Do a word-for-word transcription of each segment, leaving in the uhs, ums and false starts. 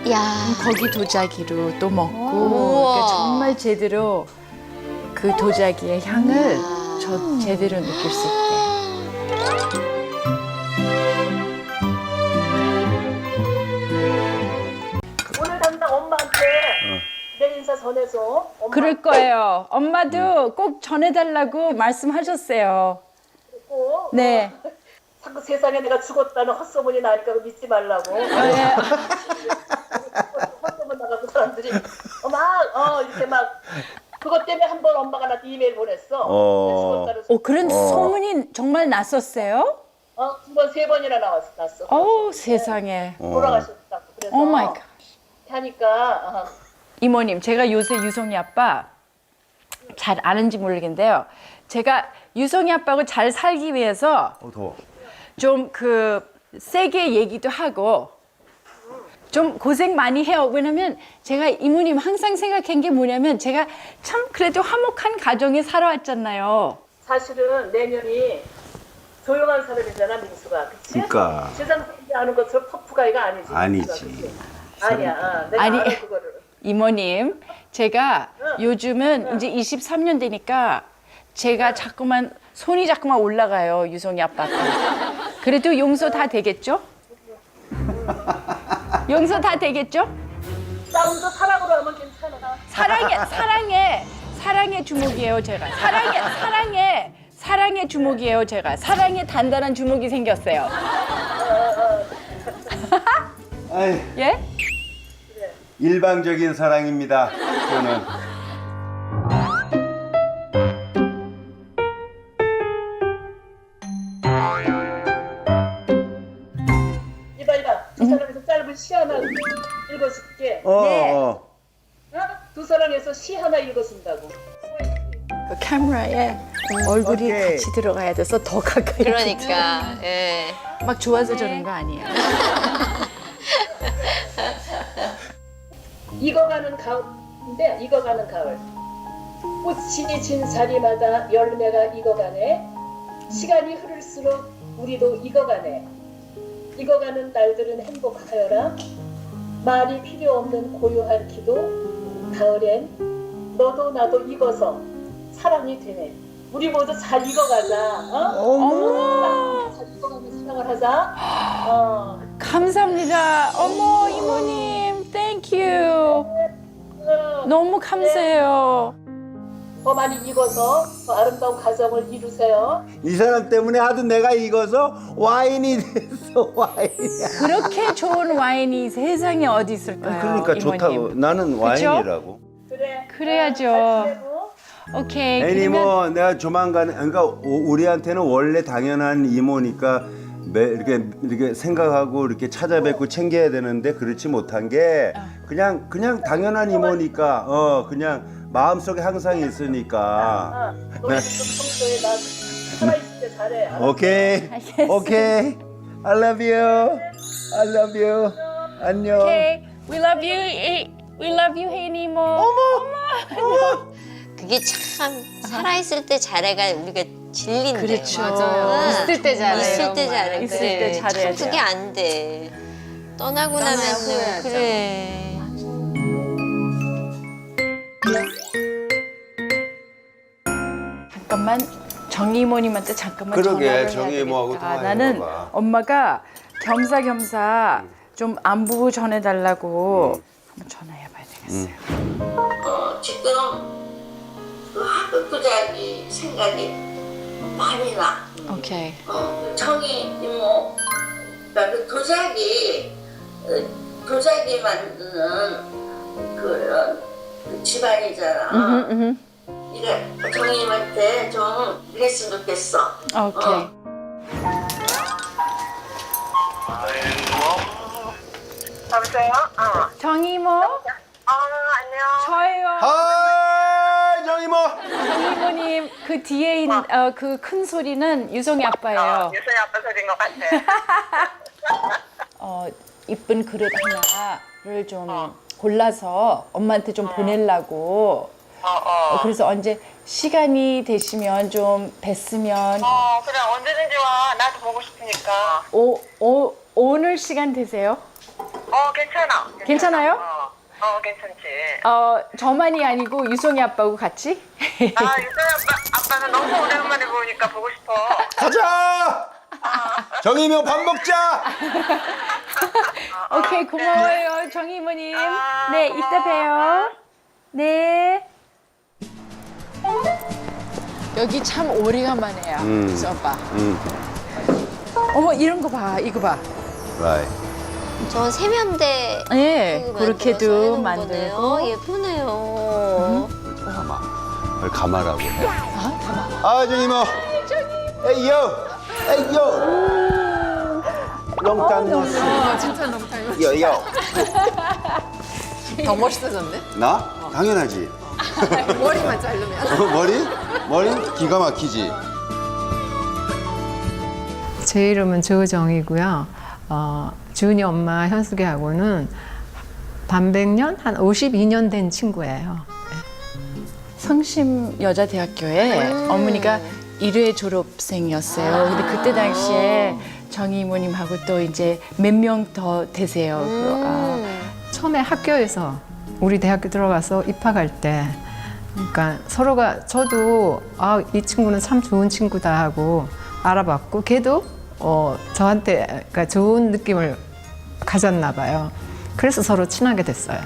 야. 거기 도자기로 또 먹고 우와. 그러니까 정말 제대로 그 도자기의 향을 우와. 저 제대로 느낄 수 있게. 오늘 당장 엄마한테 내 인사 전해줘. 엄마 그럴 거예요. 엄마도 꼭 전해달라고 말씀하셨어요. 꼭. 네. 자꾸 세상에 내가 죽었다는 헛소문이 나니까 그거 믿지 말라고. 네. 헛소문 나가고 사람들이 어, 막 어, 이렇게 막 그것 때문에 한 번 엄마가 나한테 이메일 보냈어. 어. 내가 죽었다는 어, 그런 어. 소문이 정말 났었어요? 어, 두 번, 세 번이나 나왔어, 났어. 어우, 세상에. 돌아가셨다고. 그래서 오 마이 갓. 하니까 어, 이모님, 제가 요새 유성이 아빠 잘 아는지 모르겠는데요. 제가 유성이 아빠하고 잘 살기 위해서 어, 더워. 좀 그 세게 얘기도 하고 좀 고생 많이 해요. 왜냐면 제가 이모님 항상 생각한 게 뭐냐면 제가 참 그래도 화목한 가정에 살아왔잖아요. 사실은 내년이 조용한 사람이잖아, 민수가. 그치? 그러니까. 세상 사람들이 아는 것처럼 터프가이가 아니지. 아니지. 민수가, 그치? 아니야. 어, 내가 아니. 알아, 그거를. 이모님, 제가 응. 요즘은 응. 이제 이십삼 년 되니까 제가 자꾸만 손이 자꾸만 올라가요. 유성이 아빠가. 그래도 용서 다 되겠죠? 용서 다 되겠죠? 싸움도 사랑으로 하면 괜찮아. 사랑의 사랑의 사랑의 주먹이에요, 제가. 사랑의 사랑의 사랑의 주먹이에요, 제가. 사랑의 단단한 주먹이 생겼어요. 아이, 예? 일방적인 사랑입니다. 저는. 이봐, 이봐. 두 사람에서 짧은 시 하나 읽어줄게. 어, 네. 어. 어? 두 사람에서 시 하나 읽어준다고. 그 카메라에 얼굴이 오케이. 같이 들어가야 돼서 더 가까이. 그러니까. 예. 막 좋아서 저런 거 아니에요. 익어가는 가을인데 익어가는 가을. 꽃이 진 자리마다 열매가 익어가네. 시간이 흐를수록 우리도 익어가네. 익어가는 날들은 행복하여라. 말이 필요 없는 고요한 기도. 가을엔 너도 나도 익어서 사랑이 되네. 우리 모두 잘 익어가자. 어? 어머, 잘 익어가면 사랑을 하자. 어. 감사합니다. 어머, 이모님, 땡큐. 어. 너무 감사해요. 더 많이 익어서 더 아름다운 가정을 이루세요. 이 사람 때문에 하도 내가 익어서 와인이 됐어, 와인이야. 그렇게 좋은 와인이 세상에 어디 있을까요? 그러니까 이모님? 좋다고. 나는 와인이라고. 그래. 그래야죠. 잘 지내고. 오케이. 애니 그러면 뭐 내가 조만간에 그러니까 우- 우리한테는 원래 당연한 이모니까 매, 이렇게 이렇게 생각하고 이렇게 찾아뵙고 챙겨야 되는데 그렇지 못한 게 그냥 그냥 당연한 이모니까 어 그냥 마음속에 항상 있으니까. 어, 너희 지금 평소에 나 살아있을 때 잘해. 알았어? 오케이. 알겠어. 오케이. I love you. I love you. 안녕. 오케이. We love you. 이- We love you, 혜니 이모. 어머. 그게 참 살아있을 때 잘해가 우리가 질린데. 그렇죠. 응. 있을 때 잘해요. 있을 때 잘해. 있을 그래. 때 잘해야 참 그게 돼요. 안 돼. 떠나고 떠나야 나면 후회하죠. 그래. 잠깐만 정희 이모님한테 잠깐만 그러게, 전화를 해야 정희 이모하고 되겠다. 통화해봐봐. 나는 엄마가 겸사겸사 좀 안부 전해달라고 한번 전화해봐야 되겠어요. 어, 지금 그 학교 도자기 생각이 많이 나. 오케이. 어, 청이 이모, 그러니까 그 도자기, 어, 도자기 만드는 그런 그 집안이잖아. 음흠, 음흠. 이래 청이님한테 좀 이랬으면 좋겠어. 오케이. 여보세요? 어. 정희 이모 어, 안녕. 저예요. 하이 정이모. 정희 이모님 그 뒤에 있는 어, 그 큰 소리는 유성이 아빠예요. 유선이 아빠 소리인 것 같아. 어, 이쁜 그릇 하나를 좀 골라서 엄마한테 좀 보내려고. 어, 어. 어, 그래서 언제 시간이 되시면 좀 뵀으면 어, 그래, 언제든지 와. 나도 보고 싶으니까. 오, 오, 오늘 시간 되세요? 어, 어, 괜찮아. 괜찮아. 괜찮아요? 어, 어, 괜찮지. 어, 저만이 아니고 유송이 아빠하고 같이? 아, 유선 아빠, 아빠는 너무 오랜만에 보니까 보고 싶어. 가자. 정이모 밥 먹자. 오케이, 고마워요, 정희 이모님. 네, 이따 봬요. 네. 여기 참 오래간만이에요, 음. 유수 오빠. 음. 어머, 이런 거 봐, 이거 봐. 라이. 저 세면대 예, 그 그렇게도 만들어서 해놓은 만들고. 거네요. 예쁘네요. 가마. 그걸 가마라고 해. 아, 가만. 아, 정이모. 에이요. 에이요. 롱땅 노스. 어, 진짜 너무 닮았어. 요요. 더 멋있어졌네. 나? 당연하지. 머리만 자르면. 어, 머리? 머리 기가 막히지. 제 이름은 조정이고요. 어, 준이 엄마 현숙이하고는 반백년 한 오십이 년 된 친구예요. 성심 여자대학교에 어머니가 일 회 졸업생이었어요. 근데 그때 당시에 정희 이모님하고 또 이제 몇 명 더 되세요. 그, 아, 처음에 학교에서 우리 대학교 들어가서 입학할 때, 그러니까 서로가 저도 아, 이 친구는 참 좋은 친구다 하고 알아봤고, 걔도 어, 저한테 그러니까 좋은 느낌을 가졌나 봐요. 그래서 서로 친하게 됐어요.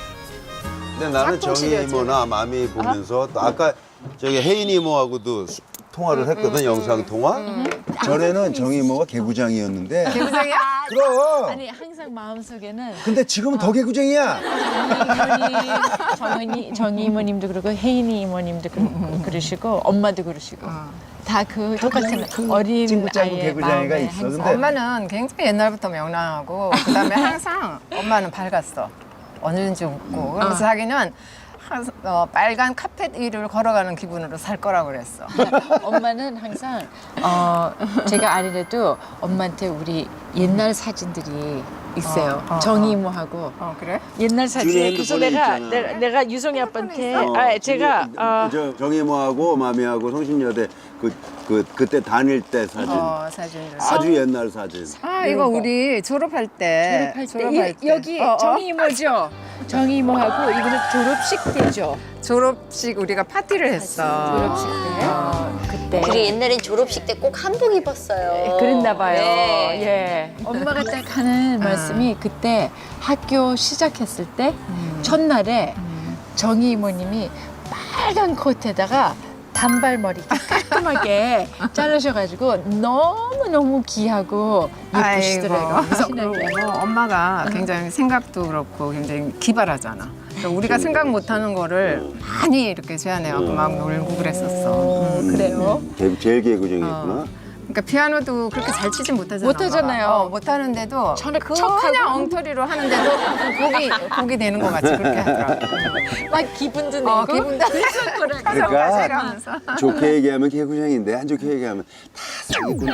근데 나는 정희 이모나 마미 보면서 또 아까 저기 혜인 이모하고도 수- 통화를 했거든, 영상 통화. 전에는 정희 이모가 개구장이었는데. 개구장이야? 그럼. 아니 항상 마음속에는 근데 지금은 더 개구쟁이야. 이모님, 정희, 정희 이모님도 그러고 혜인이 이모님도 그, 그러시고 엄마도 그러시고 다 그 똑같은 어린 친구 짱구 아이의 개구쟁이가 마음에 있어. 항상 근데 엄마는 굉장히 옛날부터 명랑하고 그다음에 항상 엄마는 밝았어. 언제든지 웃고. 그러면서 자기는 한- 어, 빨간 카펫 위를 걸어가는 기분으로 살 거라고 그랬어. 엄마는 항상 어, 제가 아니래도 엄마한테 우리 옛날 사진들이 있어요. 어, 어, 정희 어. 이모하고 어 그래? 옛날 준이 사진. 그래서 핸드폰에 내가, 있잖아. 내가 내가 유성이 아빠한테 어, 아 제가 저기, 어, 저 정희 이모하고 마미하고 성신여대 그, 그 그때 다닐 때 사진. 어 사진들. 아주 옛날 사진. 아 이거 우리 졸업할 때. 졸업할 때, 이- 여기 어, 어. 정희 이모죠. 정희 이모하고 이거는 졸업식 때죠. 졸업식 우리가 파티를 했어. 졸업식 때. 어, 그때. 그리고 옛날엔 졸업식 때 꼭 한복 입었어요. 그랬나 봐요. 네. 예. 엄마가 딱 하는 말씀이 그때 학교 시작했을 때 첫날에 정희 이모님이 빨간 코트에다가 단발머리 깔끔하게 자르셔가지고 너무너무 귀하고 예쁘시더라고요. 아이고, 신나게. 그리고 엄마가 굉장히 생각도 그렇고 굉장히 기발하잖아. 그러니까 우리가 생각 못하는 거를 많이 이렇게 제안해갖고 막 놀고 그랬었어. 음. 그래요? 개- 제일 개구쟁이였구나. 그러니까 피아노도 그렇게 잘 치진 못하잖아. 못하잖아요. 엄마가. 어, 못하는데도 저는 그 척하고. 그냥 엉터리로 하는데도 곡이 곡이 되는 것 같이 그렇게 하더라고. 막 기분도 내고. 어, 기분도 그러니까 하면서. 좋게 얘기하면 개구쟁인데 안 좋게 얘기하면 다 사기꾼.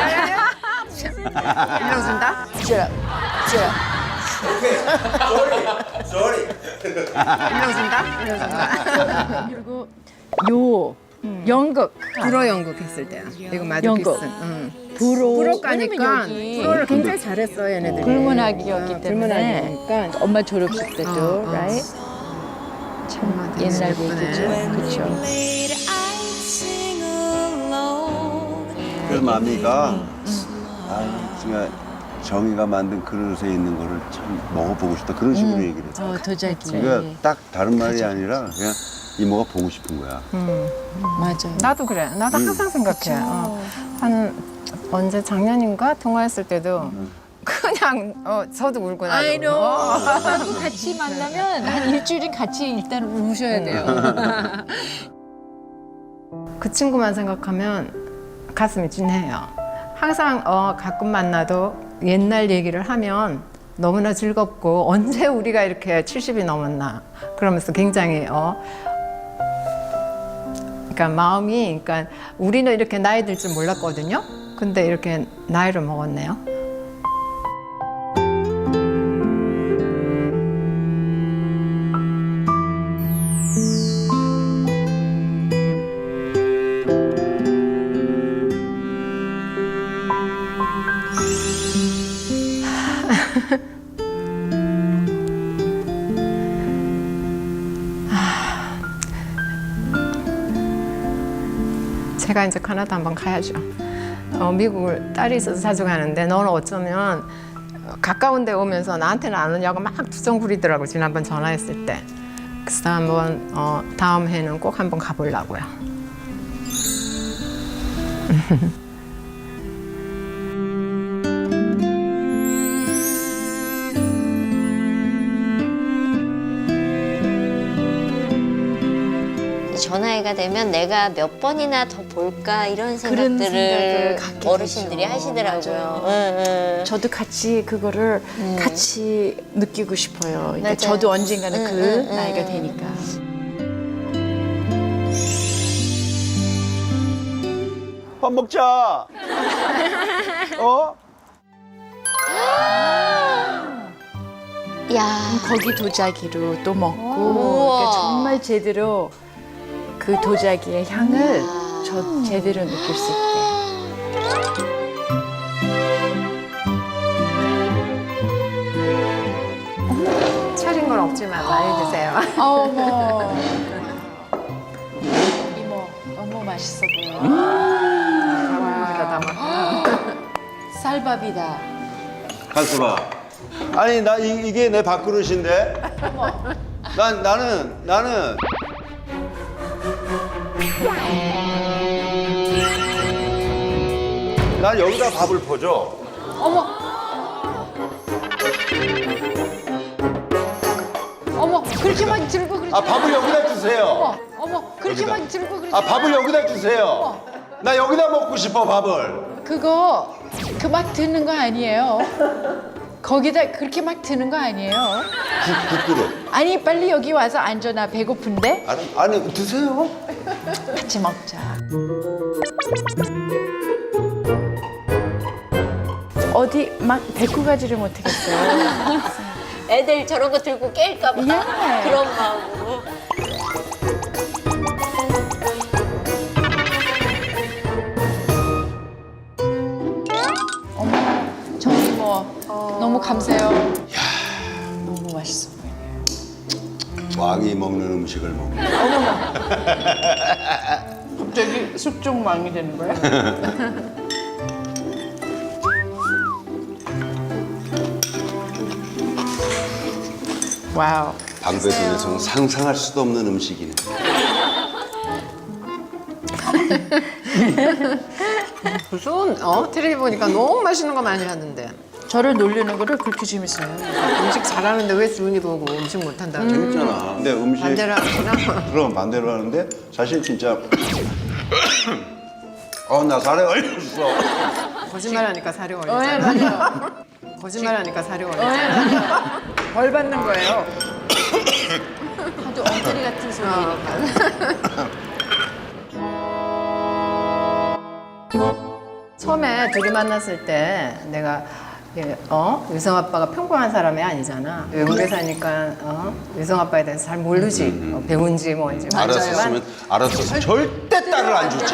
일러준다. 일러준다. 일러준다. 그리고 요 연극 불어 연극 했을 때야. 이거 마드 연극. 피슨. 응. 불어 불어 가니까 왜냐면 여기 불어를 굉장히 잘했어 얘네들이. 불문학이었기 어, 때문에 불문학이니까. 엄마 졸업식 때도 어, 어. right? 참 되게 옛날 예쁘네. 얘기죠. 그렇죠. 그래서 마미가 아 정말 정이가 만든 그릇에 있는 거를 참 먹어보고 싶다 그런 식으로 얘기를 했어. 어, 도자기. 그러니까 딱 다른 말이 아니라 그냥 이모가 보고 싶은 거야. 맞아요. 나도 그래. 나도 항상 생각해. 어. 한 언제 작년인가 통화했을 때도 그냥 어 저도 울고 나도. I know. 어. 엄마하고 같이 만나면 한 일주일은 같이 일단 우셔야 돼요. 그 친구만 생각하면 가슴이 찐해요. 항상 어, 가끔 만나도 옛날 얘기를 하면 너무나 즐겁고 언제 우리가 이렇게 칠십이 넘었나 그러면서 굉장히 어 그러니까 마음이 그러니까 우리는 이렇게 나이 들 줄 몰랐거든요. 근데 이렇게 나이를 먹었네요. 제가 이제 캐나다 한번 가야죠. 어, 미국을 딸이 있어서 자주 가는데 너는 어쩌면 가까운 데 오면서 나한테는 안 오냐고 막 투정 부리더라고 지난번 전화했을 때. 그래서 한번 어, 다음 해는 꼭 한번 가보려고요. 전화해가 되면 내가 몇 번이나 더 볼까 이런 그런 생각을 생각들을 갖게 어르신들이 되죠. 하시더라고요. 맞아요. 응, 응. 저도 같이 그거를 같이 느끼고 싶어요. 그러니까 맞아요. 저도 언젠가는 응, 그 응, 응. 나이가 되니까. 밥 먹자. 어? 야, 거기 도자기로 또 먹고 우와. 그러니까 정말 제대로 그 도자기의 향을 아. 저 제대로 느낄 수 있게. 차린 건 없지만 많이 드세요. 어머. 이모 너무 맛있어 보여. 여기다 담아. 쌀밥이다. 한수봐. 아니 나 이, 이게 내 밥그릇인데. 난 나는 나는. 난 여기다 밥을 퍼줘. 어머 그렇게만 들고 그러지. 아 밥을 여기다 주세요. 어머 그렇게만 들고 그러지. 아 밥을 여기다 주세요. 나 여기다 먹고 싶어 밥을. 그거 그 막 드는 거 아니에요? 거기다 그렇게 막 드는 거 아니에요? 국, 국그릇. 아니 빨리 여기 와서 앉아 나 배고픈데 아니, 아니 드세요. 같이 먹자. 어디 막 데리고 가지를 못하겠어요. 애들 저런 거 들고 깰까 봐. 예. 그런 마음으로. 저희 뭐 너무 감사해요. 너무 맛있어 보이네요. 왕이 먹는 음식을 먹는. 갑자기 숙종왕이 되는 거야? 와우. 방배동에서는 상상할 수도 없는 음식이네. 무슨 어 텔레비 보니까 너무 맛있는 거 많이 하는데 저를 놀리는 거를 그렇게 재밌어요. 음식 잘하는데 왜 주은이 보고 음식 못한다? 음. 재밌잖아. 근데 음식 반대로 하구나. 그럼 반대로 하는데 사실 진짜 어 나 살에 걸렸어. 거짓말하니까 살이 올리잖아. 네, 맞아요. 거짓말하니까 살이 네, 올리잖아. 벌 받는 거예요. 하도 엉터리 같은 소리니까. 처음에 둘이 만났을 때 내가 예, 어 유성 아빠가 평범한 사람이 아니잖아. 외국에 사니까 어 유성 아빠에 대해서 잘 모르지. 어, 배운지 뭔지. 알았었으면 알았었으면 절대 딸을 안 주지.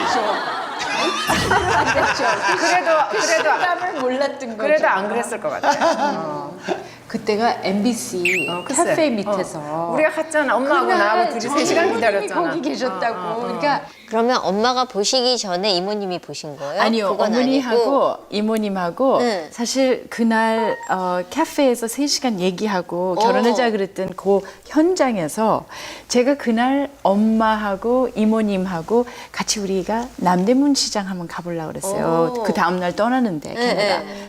그래도 그래도 땀을 몰랐던 거죠. 그래도 안 그랬을 것 같아. 그때가 엠비씨 어, 글쎄. 카페 밑에서 어. 우리가 갔잖아. 엄마하고 나하고 둘이 세 시간 기다렸잖아. 거기 계셨다고. 어, 어, 어. 그러니까 그러면 엄마가 보시기 전에 이모님이 보신 거예요? 아니요, 그건 어머니하고 아니고. 이모님하고 응. 사실 그날 어, 카페에서 세 시간 얘기하고 결혼하자 그랬던 그 현장에서 제가 그날 엄마하고 이모님하고 같이 우리가 남대문 시장 한번 가보려고 그랬어요. 오. 그 다음날 떠나는데 네, 캐나다. 네.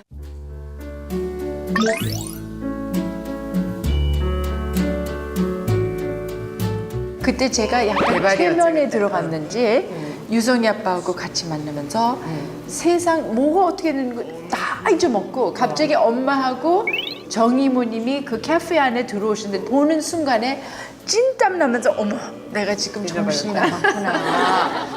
그때 제가 약간 대박이었지, 최면에 그때. 들어갔는지 유성이 아빠하고 같이 만나면서 세상 뭐가 어떻게 되는 거 다 잊어먹고 갑자기 엄마하고 정이모님이 그 카페 안에 들어오시는데 보는 순간에 찐땀 나면서 어머 내가 지금 정신이 나갔구나.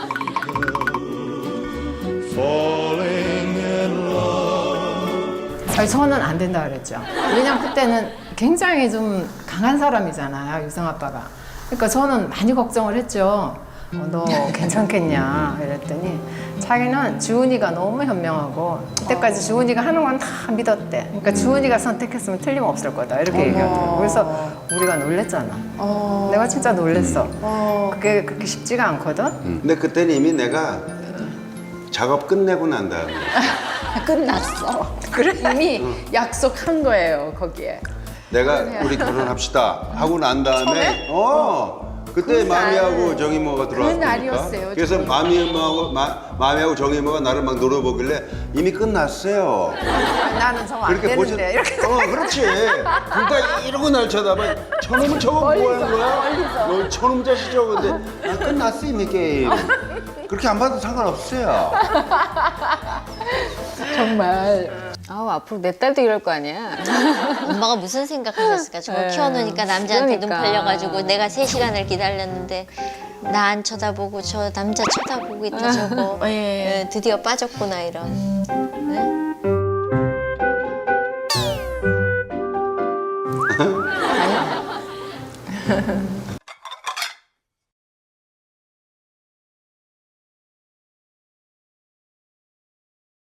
아니, 저는 안 된다 그랬죠. 왜냐면 그때는 굉장히 좀 강한 사람이잖아요, 유성 아빠가. 그러니까 저는 많이 걱정을 했죠. 어, 너 괜찮겠냐 이랬더니 자기는 주은이가 너무 현명하고 그때까지 주은이가 하는 건 다 믿었대. 그러니까 주은이가 선택했으면 틀림없을 거다 이렇게 얘기하더라고. 그래서 우리가 놀랬잖아. 내가 진짜 놀랬어. 그게 그렇게 쉽지가 않거든. 근데 그때는 이미 내가 작업 끝내고 난 다음에 끝났어. 그래 이미 약속한 거예요 거기에. 내가 우리 결혼합시다 하고 난 다음에 어 그때 마미하고 정이모가 들어왔으니까 날이었어요, 그래서 정이모. 마미하고 마, 마미하고 정이모가 나를 막 놀아보길래 이미 끝났어요. 나는 정 안 보지- 되는데 이렇게. 어 그렇지. 그러니까 이러고 날 쳐다봐. 저놈은 저거 뭐 하는 거야? 너 저놈 자식 저거 근데 아, 끝났어 이미 게임. 그렇게 안 봐도 상관없어요. 정말. 아우 앞으로 내 딸도 이럴 거 아니야. 엄마가 무슨 생각하셨을까? 저거 네. 키워놓으니까 남자한테 그러니까. 눈 팔려가지고 내가 세 시간을 기다렸는데 나 안 쳐다보고 저 남자 쳐다보고 있다 저거. 예. 예, 드디어 빠졌구나 이런. 네?